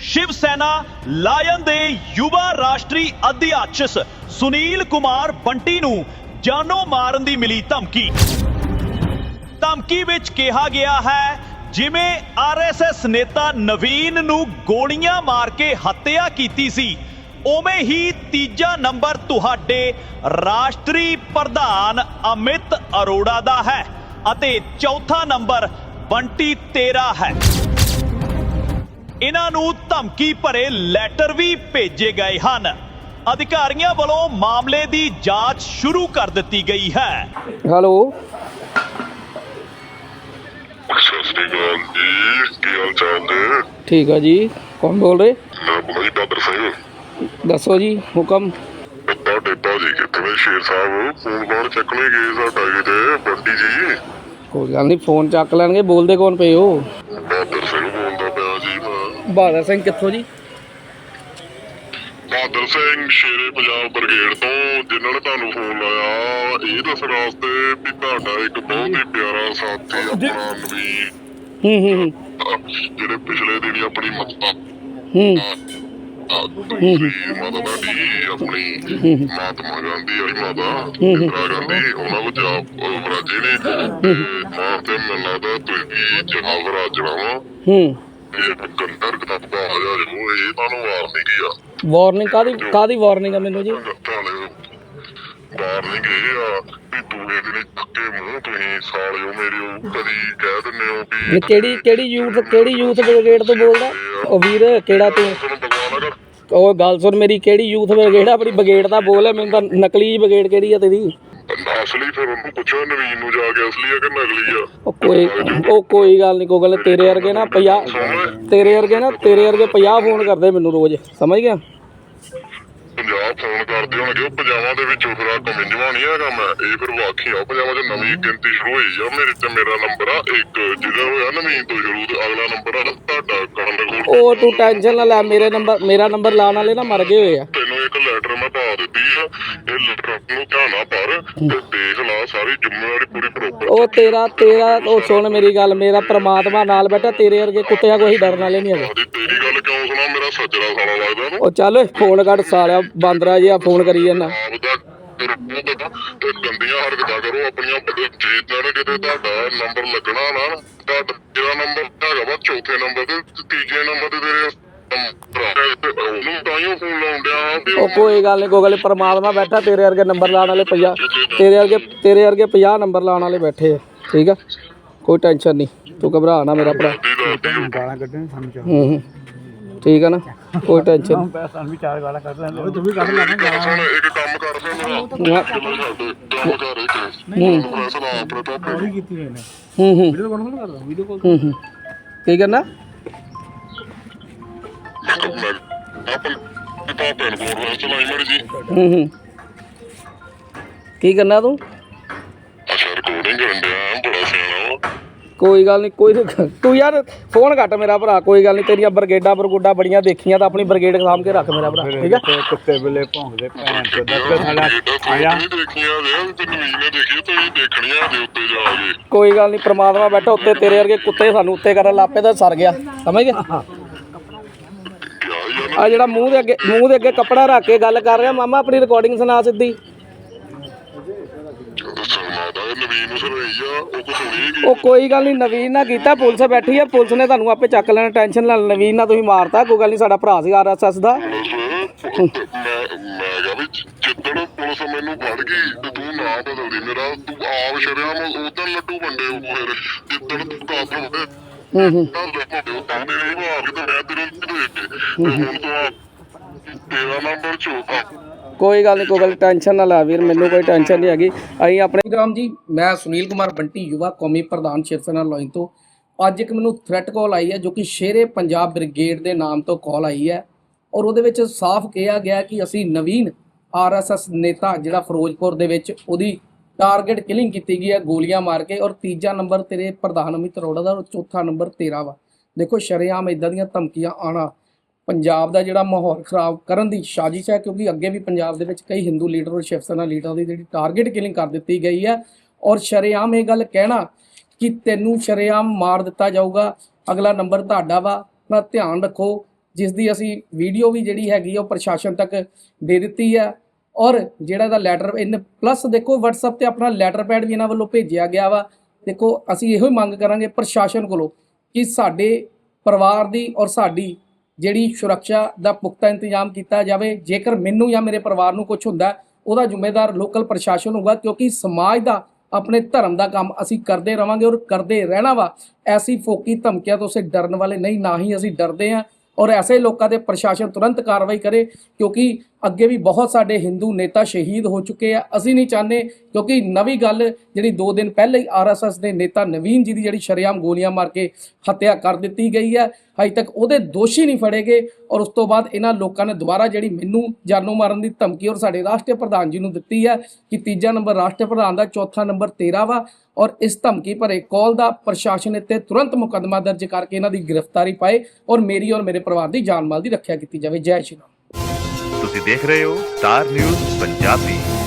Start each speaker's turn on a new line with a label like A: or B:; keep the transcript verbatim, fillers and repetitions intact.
A: शिव सेना लायन दे युवा राष्ट्रीय अध्यक्ष सुनील कुमार बंटी नूं जानो मारन दी मिली धमकी। धमकी विच कहा गया है जिवें आर एस एस नेता नवीन नूं गोलियां मार के हत्या कीती सी, उवें ही तीजा नंबर तुहाडे राष्ट्रीय प्रधान अमित अरोड़ा दा है अते चौथा नंबर बंटी तेरा है। इन्हां नूं धमकी भरे लैटर भी भेजे गए हैं। अधिकारियों वालों मामले की जांच शुरू कर दी गई है।
B: हेलो
C: सत श्री अकाल जी, की हाल चाल है?
B: ठीक है जी, कौन बोल रहे?
C: मैं भाई बहादुर सिंह।
B: दसो जी हुक्म।
C: ਤੁਹਾਡੇ ਭਾਜੀ ਕਿੱਥੇ ਸ਼ੇਰ ਸਾਹਿਬ? ਫੋਨ ਕਾਲ ਚੱਕਣੇ ਗਏ ਸਾਡਾ ਕਿਤੇ ਬੰਟੀ ਜੀ।
B: कोई गल नहीं, फोन चक लैणगे। बोलते कौन पे हो?
C: ਬਹਾਦਰ ਸਿੰਘ ਬੋਲਦਾ ਪਿਆ ਜੀ ਮੈਂ।
B: बहादुर सिंह कित्थों जी?
C: ਬਹਾਦਰ ਸਿੰਘ ਸ਼ੇਰੇ ਪੰਜਾਬ ਬ੍ਰਿਗੇਡ ਤੋਂ, ਜਿਨ੍ਹਾਂ ਨੇ ਤੁਹਾਨੂੰ ਫੋਨ ਲਾਇਆ ਇਹ ਦੱਸਣ ਵਾਸਤੇ ਵੀ ਤੁਹਾਡਾ ਇੱਕ ਬਹੁਤ ਹੀ ਪਿਆਰਾ ਸਾਥੀ ਆਪਣਾ ਨਵੀਨ,
B: हम्म हम्म
C: ਜਿਹੜੇ ਪਿਛਲੇ ਦਿਨੀ ਆਪਣੀ ਮਾਤਾ
B: हम्म
C: ਮਾਤਾ ਤੁਹਾਡੀ ਆਪਣੀ ਮਹਾਤਮਾ ਗਾਂਧੀ ਵਾਲੀ ਮਾਤਾ ਇੰਦਰਾ ਗਾਂਧੀ, ਉਹਨਾਂ ਵਿੱਚ ਆਪ ਰਾਜੇ ਨੇ ਮਾਰ ਤੇ ਮੈਨੂੰ ਲੱਗਦਾ ਤੁਸੀਂ ਜਨਾਬ ਰਾਜਣਾ ਵਾ
B: हम्म
C: ਇਹ ਕੰਦਰ ਕਿਤਾਬ ਦਾ ਆ ਜਾ ਜੋ ਇਹ ਤੁਹਾਨੂੰ ਵਾਰਨਿੰਗ ਹੀ ਆ।
B: वार्निंग कादी कादी वार्निंग है मैनू जी?
C: ਵਾਰਨਿੰਗ ਇਹ ਆ ਵੀ ਦੂਏ ਦਿਨ ਥੱਕੇ ਮੂੰਹ ਤੁਸੀਂ ਸਾਲਿਓ ਮੇਰੇ ਉਹ ਕਦੀ ਕਹਿ ਦਿੰਦੇ ਹੋ ਵੀ
B: केड़ी केड़ी यूथ केड़ी यूथ ब्रिगेड तो बोलदा? ओ वीर केड़ा तू?
C: ਤੁਹਾਨੂੰ भगवान अगर
B: ओ गल सुन मेरी, केड़ी यूथ ब्रिगेड अपनी ब्रिगेड दा बोल है, मैनू तां नकली ब्रिगेड केड़ी है तेरी?
C: असली फिर ਉਹਨੂੰ ਪੁੱਛੋ ਨਵੀਨ ਨੂੰ ਜਾ ਕੇ ਅਸਲੀ ਆ ਕਿ ਨਕਲੀ ਆ।
B: ओ कोई ओ कोई गल नहीं, कोई गल तेरे वर्गे ना पचास तेरे वर्गे ना तेरे वर्गे पचास फोन करदे मैनू रोज, समझ गया?
C: ਪੰਜਾਬ ਫੋਨ ਕਰਦੇ ਹੋਣਗੇ, ਉਹ ਪੰਜਾਬਾਂ ਦੇ ਵਿੱਚੋਂ ਫਿਰ ਆ ਕਮਿੰਜਵਾ ਨਹੀਂ ਹੈਗਾ ਮੈਂ, ਇਹ ਫਿਰ ਵਾਖੀ ਆ ਪੰਜਾਬਾਂ 'ਚ ਨਵੀਂ ਗਿਣਤੀ ਸ਼ੁਰੂ ਹੋਈ ਆ। ਮੇਰੇ ਤੇ ਮੇਰਾ ਨੰਬਰ ਆ ਇੱਕ, ਜਿਹੜਾ ਹੋਇਆ ਨਵੀਨ ਤੋਂ ਸ਼ੁਰੂ, ਤੇ ਅਗਲਾ ਨੰਬਰ ਆ ਤੁਹਾਡਾ ਕਰਨ ਕੋਲ।
B: ओ तू टेंशन ना ले, मेरे नंबर मेरा नंबर लाने वाले ना मर गए हुए आ।
C: ਤੈਨੂੰ ਇੱਕ ਲੈਟਰ ਮੈਂ ਪਾ ਦਿੱਤੀ ਆ, ਇਹ ਲੈਟਰ ਨੂੰ ਧਿਆਨ ਨਾਲ ਪੜ੍ਹ ਤੇ ਦੇਖ ਲਾ, ਸਾਰੀ ਜ਼ਿੰਮੇਵਾਰੀ ਪੂਰੀ ਪ੍ਰੋਪਰ।
B: ओ तेरा तेरा ओ सुन मेरी गल, मेरा परमात्मा नाल बैठा, तेरे वर्गे कुत्तियां कोई डरन वाले नहीं है।
C: ਤੇਰੀ ਗੱਲ ਕਿਉਂ ਸੁਣਾ? ਮੇਰਾ ਸੱਜਰਾ ਸਾਲਾ ਲੱਗਦਾ ਨਾ।
B: ओ चल फोन कट सालिया, बांदरा जिहा फोन करी जाना।
C: ਆਪ ਦਾ ਤੇ ਗੰਦੀਆਂ ਹਰਕਤਾਂ ਕਰੋ ਆਪਣੀਆਂ, ਜਿੱਦਾਂ ਨਾ ਕਿਤੇ ਤੁਹਾਡਾ ਨੰਬਰ ਲੱਗਣਾ ਨਾ, ਤੁਹਾਡਾ ਜਿਹੜਾ ਨੰਬਰ ਹੈਗਾ ਵਾ ਚੌਥੇ ਨੰਬਰ ਤੇ ਤੀਜੇ ਨੰਬਰ ਤੇ ਤੇਰੇ ਉਹਨੂੰ ਤਾਂ ਹੀ ਫੋਨ ਲਾਉਣ ਡਿਆ ਵੀ
B: ओ कोई गल नहीं, कोई गल नहीं, परमात्मा बैठा, तेरे वर्गे नंबर लाने वाले पचास, तेरे वर्गे तेरे वर्गे पचास नंबर लाने वाले बैठे है, ठीक है? कोई टेंशन नहीं, तू घबरा ना मेरा भरा।
D: ਗਾਲਾਂ ਕੱਢਣ ਸਾਨੂੰ ਚਾਹ
B: हूं हूं ठीक है ना, कोई टेंशन नहीं।
D: ਸਾਨੂੰ ਵੀ ਚਾਰ ਗਾਲਾਂ ਕੱਢ ਲੈਂਦੇ, ਤੂੰ ਵੀ ਕੱਢ ਲੈਣਾ ਗਾਲਾਂ।
C: ਸੁਣ ਇੱਕ ਕੰਮ ਕਰ ਫਿਰ ਮੇਰਾ ਕੰਮ ਕਰ ਇੱਕ ਫੈਸਲਾ ਆਪਣੇ ਤੋਂ
D: ਨਹੀਂ ਕੀਤੀ ਮੈਨੇ
B: हूं हूं
D: ਵੀਡੀਓ ਕਾਲ ਨਹੀਂ ਕਰਦਾ, ਵੀਡੀਓ ਕਾਲ
B: हूं हूं की करना?
C: अपन पापा ने बोल रहा चलाई मर जी।
B: हूं हूं की करना तू?
C: अच्छा रिकॉर्डिंग करन दिया, बड़ा सियाना वा।
B: कोई गल नहीं, कोई तू यार फोन घट मेरा भरा, कोई गल नहीं, तेरिया ब्रिगेडा ब्रगुडा बड़ियां देखियां, तो अपनी ब्रिगेड साम के रख मेरा भरा, ठीक है?
D: ਕੁੱਤੇ ਬਿੱਲੇ ਭੌਂਕਦੇ ਭੈਣ ਚੋਦ ਦਾ ਸਾਡਾ ਆਇਆ।
C: नहीं देखियां दे ते नवीन ने देखी तो ये देखणियां दे उत्ते जाके।
B: कोई गल नहीं, परमात्मा बैठा उत्ते, तेरे वर्गे कुत्ते सानू उत्ते करन लापे तो सर गया, समझ गया?
C: क्या यार
B: आ जेड़ा मूंह दे अगे मूंह दे अगे कपड़ा रख के गल कर रहा मामा, अपनी रिकॉर्डिंग सुना सीधी।
C: शर्मा दा नवीन ਨੂੰ ਸੁਣਾਈ ਆ, ਉਹ ਕੋ ਸੁਣੀਗੀ।
B: ओ कोई गल नहीं, नवीन ना कीता, पुलिस बैठी है, पुलिस ने तुहानू आपे चक लेना, टेंशन ना। नवीन ना तुसीं मारता, कोई गल नहीं, साडा भरा सी आर एस एस दा।
C: मैं मैं कहा भी जिद्दड़ पुलिस मैनू फड़ गई ते तू ना बदलदी मेरा, तू आप शर्म उधर लड्डू वंडे फिर जिद्दड़ तू कातल होते
B: हूं हूं
C: ताने नहीं मार के मैं तेरे देख के हुण तो तेरा नंबर चौथा।
B: कोई गल नहीं, कोई गल टेंशन ना ला वीर, मैनू कोई टेंशन नहीं हैगी। असीं अपने राम जी, मैं सुनील कुमार बंटी, युवा कौमी प्रधान शिव सेना लाइन तो अज एक मैनू थ्रैट कॉल आई है, जो कि शेरे पंजाब ब्रिगेड के नाम तो कॉल आई है, और ਉਹਦੇ ਵਿੱਚ साफ कहा गया कि ਅਸੀਂ नवीन आर एस एस नेता ਜਿਹੜਾ ਫਿਰੋਜ਼ਪੁਰ ਦੇ ਵਿੱਚ ਉਹਦੀ टारगेट किलिंग की गई है गोलियां मार के, और तीजा नंबर तेरे प्रधान अमित अरोड़ा का, और चौथा नंबर तेरा वा। देखो शरेआम इदां ਦੀਆਂ ਧਮਕੀਆਂ आना पंजाब का जिहड़ा माहौल खराब करन दी साजिश है, क्योंकि अगे भी पंजाब दे विच कई हिंदू लीडर और शिव सेना लीडर की जिहड़ी टारगेट किलिंग कर दी गई है, और शरेआम ये गल कहना कि तैनूं शरेआम मार दिता जाऊगा, अगला नंबर तुहाडा वा, ना ध्यान रखो। ਜਿਸ ਦੀ ਅਸੀਂ ਵੀਡੀਓ ਵੀ ਜਿਹੜੀ ਹੈਗੀ ਉਹ ਪ੍ਰਸ਼ਾਸਨ ਤੱਕ ਦੇ ਦਿੱਤੀ ਹੈ। ਔਰ ਜਿਹੜਾ ਦਾ ਲੈਟਰ ਇਨ ਪਲੱਸ ਦੇਖੋ WhatsApp ਤੇ ਆਪਣਾ ਲੈਟਰ ਪੈਡ ਵੀ ਇਹਨਾਂ ਵੱਲੋਂ ਭੇਜਿਆ ਗਿਆ ਵਾ। ਦੇਖੋ ਅਸੀਂ ਇਹੋ ਹੀ ਮੰਗ ਕਰਾਂਗੇ ਪ੍ਰਸ਼ਾਸਨ ਕੋਲੋਂ ਕਿ ਸਾਡੇ ਪਰਿਵਾਰ ਦੀ ਔਰ ਸਾਡੀ ਜਿਹੜੀ ਸੁਰੱਖਿਆ ਦਾ ਪੁਖਤਾ ਇੰਤਜ਼ਾਮ ਕੀਤਾ ਜਾਵੇ। ਜੇਕਰ ਮੈਨੂੰ ਜਾਂ ਮੇਰੇ ਪਰਿਵਾਰ ਨੂੰ ਕੁਝ ਹੁੰਦਾ ਉਹਦਾ ਜ਼ਿੰਮੇਦਾਰ ਲੋਕਲ ਪ੍ਰਸ਼ਾਸਨ ਹੋਊਗਾ, ਕਿਉਂਕਿ ਸਮਾਜ ਦਾ ਆਪਣੇ ਧਰਮ ਦਾ ਕੰਮ ਅਸੀਂ ਕਰਦੇ ਰਵਾਂਗੇ ਔਰ ਕਰਦੇ ਰਹਿਣਾ ਵਾ। ਐਸੀ ਫੋਕੀ ਧਮਕੀਆਂ ਤੋਂ ਅਸੀਂ ਡਰਨ ਵਾਲੇ ਨਹੀਂ, ਨਾ ਹੀ ਅਸੀਂ ਡਰਦੇ ਹਾਂ। ਔਰ ਐਸੇ ਲੋਕਾਂ ਦੇ ਪ੍ਰਸ਼ਾਸਨ ਤੁਰੰਤ ਕਾਰਵਾਈ ਕਰੇ, ਕਿਉਂਕਿ ਅੱਗੇ ਵੀ ਬਹੁਤ ਸਾਡੇ ਹਿੰਦੂ ਨੇਤਾ ਸ਼ਹੀਦ ਹੋ ਚੁੱਕੇ ਆ। ਅਸੀਂ ਨਹੀਂ ਚਾਹੁੰਦੇ, ਕਿਉਂਕਿ ਨਵੀਂ ਗੱਲ ਜਿਹੜੀ ਦੋ ਦਿਨ ਪਹਿਲੇ ਹੀ ਆਰ ਐਸ ਐਸ ਦੇ ਨੇਤਾ ਨਵੀਨ ਜੀ ਦੀ ਜਿਹੜੀ ਸ਼ਰੇਆਮ ਗੋਲੀਆਂ ਮਾਰ ਕੇ ਹੱਤਿਆ ਕਰ ਦਿੱਤੀ ਗਈ ਹੈ, ਅਜੇ ਤੱਕ ਉਹਦੇ ਦੋਸ਼ੀ ਨਹੀਂ ਫੜੇ ਗਏ। ਔਰ ਉਸ ਤੋਂ ਬਾਅਦ ਇਹਨਾਂ ਲੋਕਾਂ ਨੇ ਦੁਬਾਰਾ ਜਿਹੜੀ ਮੈਨੂੰ ਜਾਨੋਂ ਮਾਰਨ ਦੀ ਧਮਕੀ ਔਰ ਸਾਡੇ ਰਾਸ਼ਟਰੀ ਪ੍ਰਧਾਨ ਜੀ ਨੂੰ ਦਿੱਤੀ ਹੈ ਕਿ ਤੀਜਾ ਨੰਬਰ ਰਾਸ਼ਟਰੀ ਪ੍ਰਧਾਨ ਦਾ, ਚੌਥਾ ਨੰਬਰ ਤੇਰਾ ਵਾ। ਔਰ ਇਸ ਧਮਕੀ ਭਰੇ ਕਾਲ ਦਾ ਪ੍ਰਸ਼ਾਸਨ ਇੱਥੇ ਤੁਰੰਤ ਮੁਕੱਦਮਾ ਦਰਜ ਕਰਕੇ ਇਹਨਾਂ ਦੀ ਗ੍ਰਿਫਤਾਰੀ ਪਾਏ ਔਰ ਮੇਰੀ ਔਰ ਮੇਰੇ ਪਰਿਵਾਰ ਦੀ ਜਾਨ ਮਾਲ ਦੀ ਰੱਖਿਆ ਕੀਤੀ ਜਾਵੇ। ਜੈ ਸ਼੍ਰੀ ਰਾਮ।
E: ਤੁਸੀਂ ਦੇਖ ਰਹੇ ਹੋ ਸਟਾਰ ਨਿਊਜ਼ ਪੰਜਾਬੀ।